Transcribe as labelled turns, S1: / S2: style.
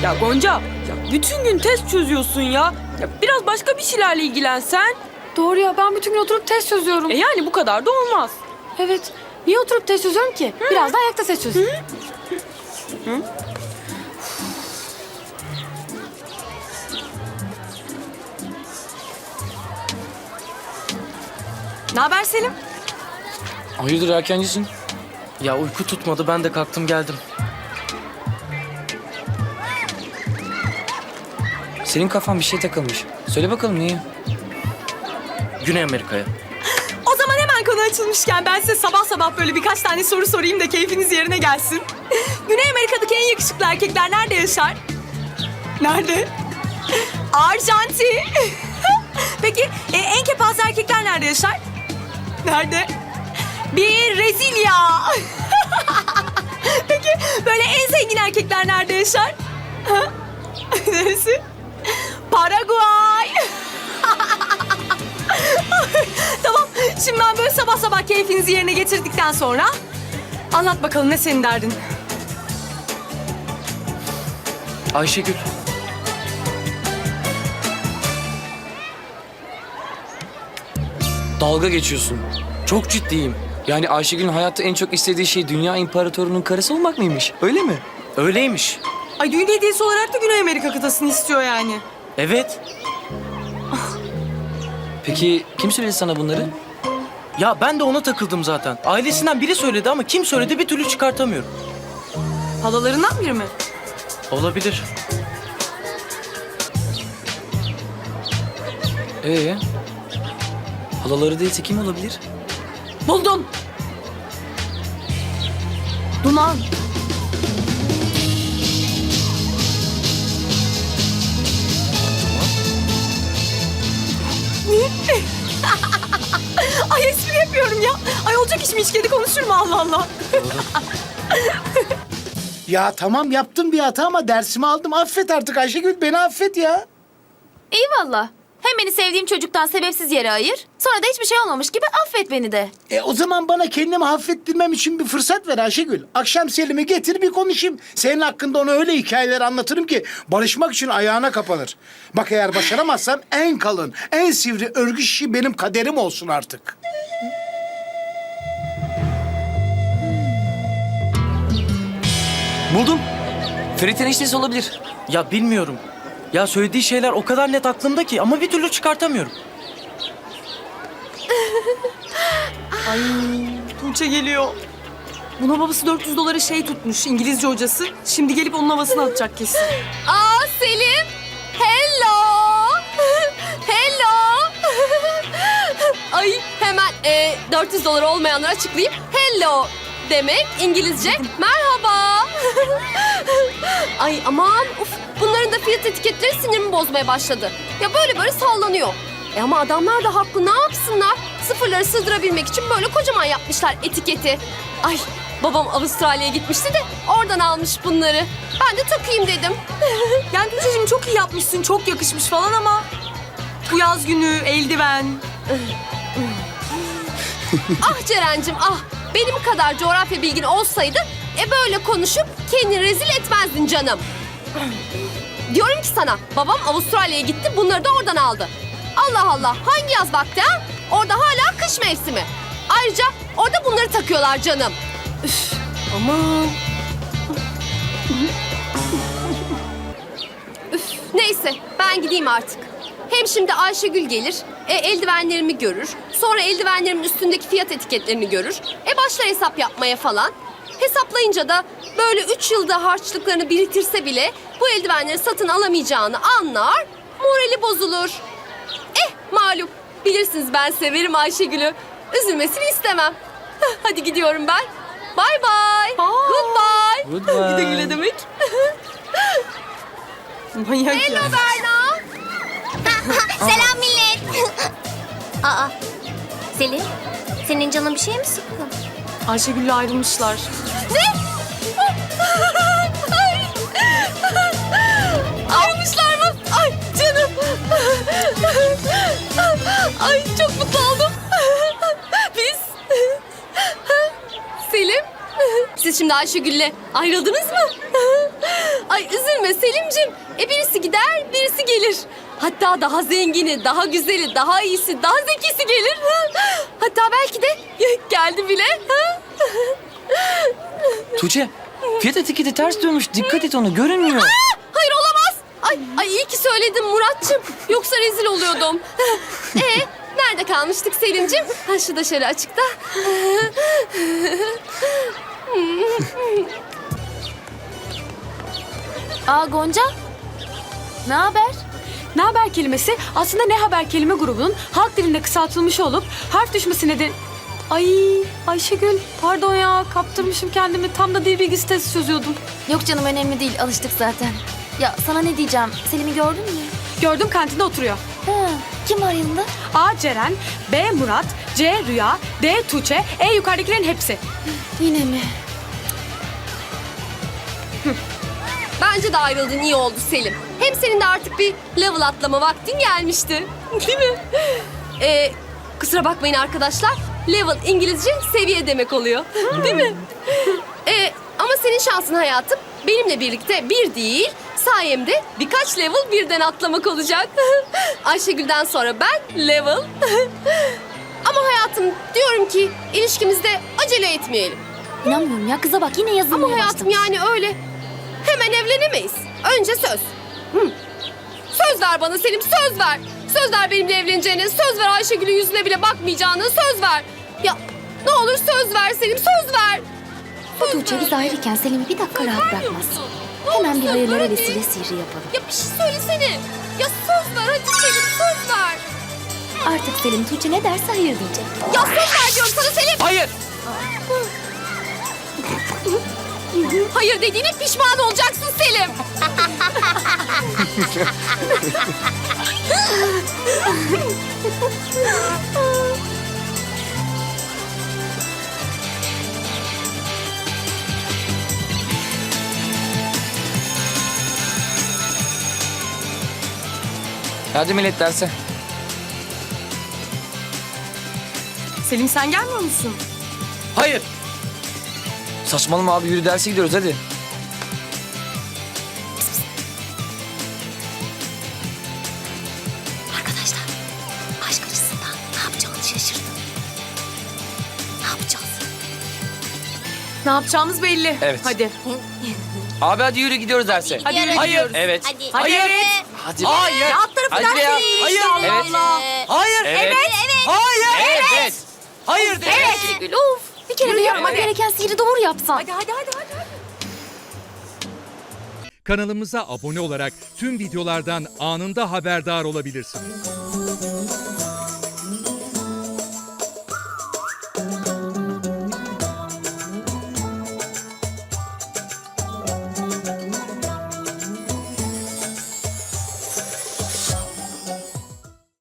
S1: Ya Gonca, ya bütün gün test çözüyorsun ya. Ya biraz başka bir şeylerle ilgilensen.
S2: Doğru ya, ben bütün gün oturup test çözüyorum.
S1: Yani bu kadar da olmaz.
S2: Evet. Niye oturup test çözüyorum ki? Biraz da ayakta test çözüyorum.
S1: Ne haber Selim?
S3: Hayırdır erkencisin?
S4: Ya uyku tutmadı, ben de kalktım geldim.
S3: Senin kafan bir şey takılmış. Söyle bakalım niye?
S4: Güney Amerika'ya.
S1: O zaman hemen konu açılmışken ben size sabah sabah böyle birkaç tane soru sorayım da keyfiniz yerine gelsin. Güney Amerika'daki en yakışıklı erkekler nerede yaşar? Nerede? Arjantin. Peki en kepaze erkekler nerede yaşar? Nerede? Bir Brezilya. Peki böyle en zengin erkekler nerede yaşar? Ha? Neresi? Paraguay. Tamam, şimdi ben böyle sabah sabah keyfinizi yerine getirdikten sonra anlat bakalım ne senin derdin?
S4: Ayşegül.
S3: Dalga geçiyorsun.
S4: Çok ciddiyim.
S3: Yani Ayşegül'ün hayatta en çok istediği şey dünya imparatorunun karısı olmak mıymış? Öyle mi?
S4: Öyleymiş.
S1: Ay düğün hediyesi olarak da Güney Amerika kıtasını istiyor yani.
S4: Evet.
S3: Peki kim söyledi sana bunları?
S4: Ya ben de ona takıldım zaten. Ailesinden biri söyledi ama kim söyledi bir türlü çıkartamıyorum.
S1: Halalarından biri mi?
S4: Olabilir.
S3: Halaları değilse kim olabilir?
S1: Buldum. Duman. Ay espri yapıyorum ya. Ay olacak iş mi, hiç kedi konuşur mu, Allah Allah.
S5: Ya tamam yaptım bir hata ama dersimi aldım. Affet artık Ayşegül, beni affet ya.
S6: İyi valla. Hem beni sevdiğim çocuktan sebepsiz yere ayır. Sonra da hiçbir şey olmamış gibi affet beni de.
S5: O zaman bana kendimi affettirmem için bir fırsat ver Ayşegül. Akşam Selim'i getir bir konuşayım. Senin hakkında ona öyle hikayeler anlatırım ki barışmak için ayağına kapanır. Bak eğer başaramazsam en kalın, en sivri örgü şişi benim kaderim olsun artık.
S3: Buldum. Ferit eniştesi olabilir.
S4: Ya bilmiyorum. Ya söylediği şeyler o kadar net aklımda ki ama bir türlü çıkartamıyorum.
S1: Ay Tuğçe geliyor. Buna babası 400 dolara şey tutmuş, İngilizce hocası. Şimdi gelip onun havasını atacak kesin.
S6: Aa Selim. Hello. Hello. Ay hemen 400 dolar olmayanları açıklayayım. Hello demek İngilizce merhaba. Ay aman uf, bunların da fiyat etiketleri sinirimi bozmaya başladı. Ya böyle sallanıyor. Ama adamlar da haklı, ne yapsınlar? Sıfırları sığdırabilmek için böyle kocaman yapmışlar etiketi. Ay babam Avustralya'ya gitmişti de oradan almış bunları. Ben de takayım dedim.
S1: Yani Tuğçe'cim çok iyi yapmışsın, çok yakışmış falan ama... Bu yaz günü, eldiven...
S6: Ah Ceren'cim ah, benim kadar coğrafya bilgin olsaydı böyle konuşup kendini rezil etmezdin canım. Diyorum ki sana, babam Avustralya'ya gitti, bunları da oradan aldı. Allah Allah, hangi yaz vakti ha? Orada hala kış mevsimi. Ayrıca orada bunları takıyorlar canım. Üf, aman. Üf, neyse ben gideyim artık. Hem şimdi Ayşegül gelir, eldivenlerimi görür. Sonra eldivenlerimin üstündeki fiyat etiketlerini görür. Başlar hesap yapmaya falan. Hesaplayınca da böyle 3 yılda harçlıklarını biriktirse bile bu eldivenleri satın alamayacağını anlar, morali bozulur. Malum, bilirsiniz ben severim Ayşegül'ü. Üzülmesini istemem. Hadi gidiyorum ben. Bye bye. Goodbye.
S3: Goodbye.
S1: Bir de güle demek. Manyak
S6: Hello
S1: ya.
S6: Berna.
S7: Selam millet. Aa, Selin, senin canın bir şey mi sıkkın?
S1: Ayşegül'le ayrılmışlar.
S6: Ayrılmışlar mı? Ay canım. Ay çok mutlu oldum. Biz... Selim, siz şimdi Ayşegül'le ayrıldınız mı? Ay üzülme Selimciğim. Selimciğim, birisi gider, birisi gelir. Hatta daha zengini, daha güzeli, daha iyisi, daha zekisi gelir. Hatta belki de geldi bile.
S3: Tuğçe, fiyat etiketi ters dönmüş. Dikkat et, onu görünmüyor.
S6: Hayır, olamaz. Ay iyi ki söyledin Muratçım. Yoksa rezil oluyordum. Nerede kalmıştık Selimciğim? Ha, şu da şöyle açıkta.
S2: Aa Gonca. Ne haber? Ne haber kelimesi aslında ne haber kelime grubunun halk dilinde kısaltılmış olup harf düşmesi nedeni... Ay Ayşegül pardon ya kaptırmışım kendimi. Tam da dil bilgisi testi çözüyordum.
S8: Yok canım önemli değil alıştık zaten. Ya sana ne diyeceğim Selim'i gördün mü?
S2: Gördüm kantinde oturuyor.
S8: Ha, kim var yanında?
S2: A Ceren, B Murat, C Rüya, D Tuğçe, E yukarıdakilerin hepsi.
S8: Yine mi?
S6: Bence de ayrıldın iyi oldu Selim. Hem senin de artık bir level atlama vaktin gelmişti. Değil mi? Kusura bakmayın arkadaşlar. Level İngilizce seviye demek oluyor. Değil mi? Ama senin şansın hayatım benimle birlikte bir değil, sayemde birkaç level birden atlamak olacak. Ayşegül'den sonra ben level. Ama hayatım diyorum ki ilişkimizde acele etmeyelim.
S8: İnanmıyorum ya kıza bak yine yazılmaya
S6: Ama hayatım
S8: başlamış.
S6: yani öyle hemen evlenemeyiz. Önce söz. Söz ver bana Selim, söz ver. Söz ver benimle evleneceğine, söz ver Ayşegül'ün yüzüne bile bakmayacağını, söz ver. Ya ne olur söz ver Selim, söz ver.
S8: Bu Tuğçe biz ayrıyken Selim'i bir dakika rahat bırakmaz. Hemen bir hayırlara vesile sihri yapalım.
S6: Ya bir şey söylesene. Ya söz ver hadi Selim, söz ver.
S8: Artık Selim Tuğçe ne derse hayır diyecek.
S6: Ya söz ver diyorum sana Selim.
S3: Hayır.
S6: Hayır dediğine pişman olacaksın Selim.
S3: Hadi millet derse.
S1: Selim sen gelmiyor musun?
S3: Hayır. Saçmalama abi, yürü derse gidiyoruz hadi.
S8: Arkadaşlar aşk açısından ne yapacağını şaşırdım. Ne yapacağız?
S1: Ne yapacağımız belli.
S3: Evet.
S1: Hadi.
S3: Abi hadi yürü gidiyoruz derse.
S1: Hadi yürü
S3: Hayır.
S1: gidiyoruz.
S3: Evet.
S7: Hadi.
S3: Hayır.
S7: Evet.
S3: Hadi.
S4: Hayır.
S1: Ya alt tarafı
S3: Hadi
S1: ders
S3: ya.
S1: değil
S3: Hayır.
S1: işte, Allah
S3: Evet.
S1: Allah.
S4: Hayır.
S3: Evet.
S4: Hayır.
S3: Evet.
S4: Hayır de.
S8: Ayşegül of. Bir kere de yapmak gereken sihri doğru yapsan.
S1: Hadi hadi hadi hadi.
S9: Kanalımıza abone olarak tüm videolardan anında haberdar olabilirsiniz.